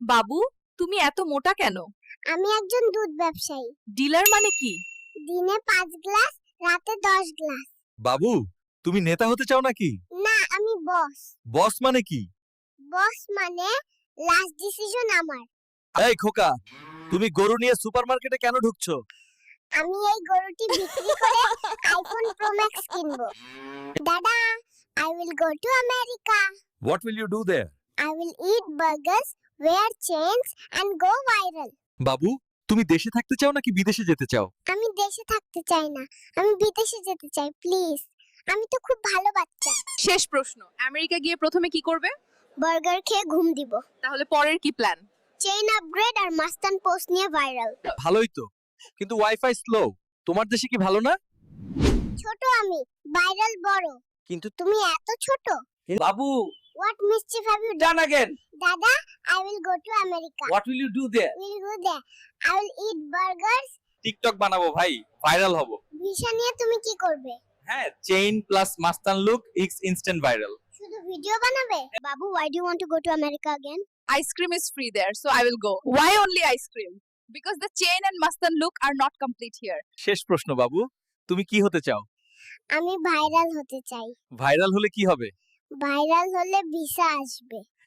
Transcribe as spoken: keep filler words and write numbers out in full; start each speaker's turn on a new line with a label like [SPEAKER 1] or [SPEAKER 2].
[SPEAKER 1] বাবু, তুমি এত মোটা কেন?
[SPEAKER 2] আমি একজন দুধ ব্যবসায়ী।
[SPEAKER 1] ডিলার মানে কি?
[SPEAKER 2] দিনে পাঁচ গ্লাস, রাতে দশ গ্লাস।
[SPEAKER 3] বাবু, তুমি নেতা হতে চাও নাকি?
[SPEAKER 2] না, আমি বস।
[SPEAKER 3] বস মানে কি?
[SPEAKER 2] বস মানে লাস্ট ডিসিশন আমার।
[SPEAKER 3] এই খোকা, তুমি গরু নিয়ে সুপারমার্কেটে কেন ঢুকছো?
[SPEAKER 2] আমি এই গরুটি বিক্রি করে আইফোন প্রো ম্যাক্স কিনবো। দাদা, I will go to America.
[SPEAKER 3] What will you do there?
[SPEAKER 2] I will eat burgers, wear chains and go viral.
[SPEAKER 3] বাবু, তুমি দেশে থাকতে চাও নাকি বিদেশে যেতে চাও?
[SPEAKER 2] আমি দেশে থাকতে চাই না, আমি বিদেশে যেতে চাই প্লিজ। আমি তো খুব ভালো বাচ্চা।
[SPEAKER 1] শেষ প্রশ্ন, আমেরিকা গিয়ে প্রথমে কি করবে?
[SPEAKER 2] বার্গার খেয়ে ঘুম দিব।
[SPEAKER 1] তাহলে পরের কি প্ল্যান?
[SPEAKER 2] চেইন আপগ্রেড আর মাস্তান পোস্ট নিয়ে ভাইরাল।
[SPEAKER 3] ভালোই তো, কিন্তু ওয়াইফাই স্লো। তোমার দেশে কি ভালো না?
[SPEAKER 2] ছোট আমি, ভাইরাল বড়।
[SPEAKER 3] কিন্তু
[SPEAKER 2] তুমি এত ছোট।
[SPEAKER 4] বাবু,
[SPEAKER 2] What mischief have you done?
[SPEAKER 4] done again.
[SPEAKER 2] Dada, I will go to America.
[SPEAKER 4] What will you do there?
[SPEAKER 2] We'll go there. I will eat burgers.
[SPEAKER 4] TikTok বানাবো ভাই, ভাইরাল হব।
[SPEAKER 2] ভিসা নিয়ে তুমি কি করবে?
[SPEAKER 4] হ্যাঁ, চেইন প্লাস মাস্তান লুক ইজ ইনস্ট্যান্ট ভাইরাল।
[SPEAKER 2] শুধু ভিডিও বানাবে? বাবু, why do you want to go to America again?
[SPEAKER 1] Ice cream is free there, so I will go. Why only ice cream? Because the chain and Mastan look are not complete here.
[SPEAKER 3] শেষ প্রশ্ন বাবু, তুমি কি হতে চাও?
[SPEAKER 2] আমি viral হতে চাই।
[SPEAKER 3] ভাইরাল হলে কি হবে?
[SPEAKER 2] ভাইরাল হলে ভিসা আসবে।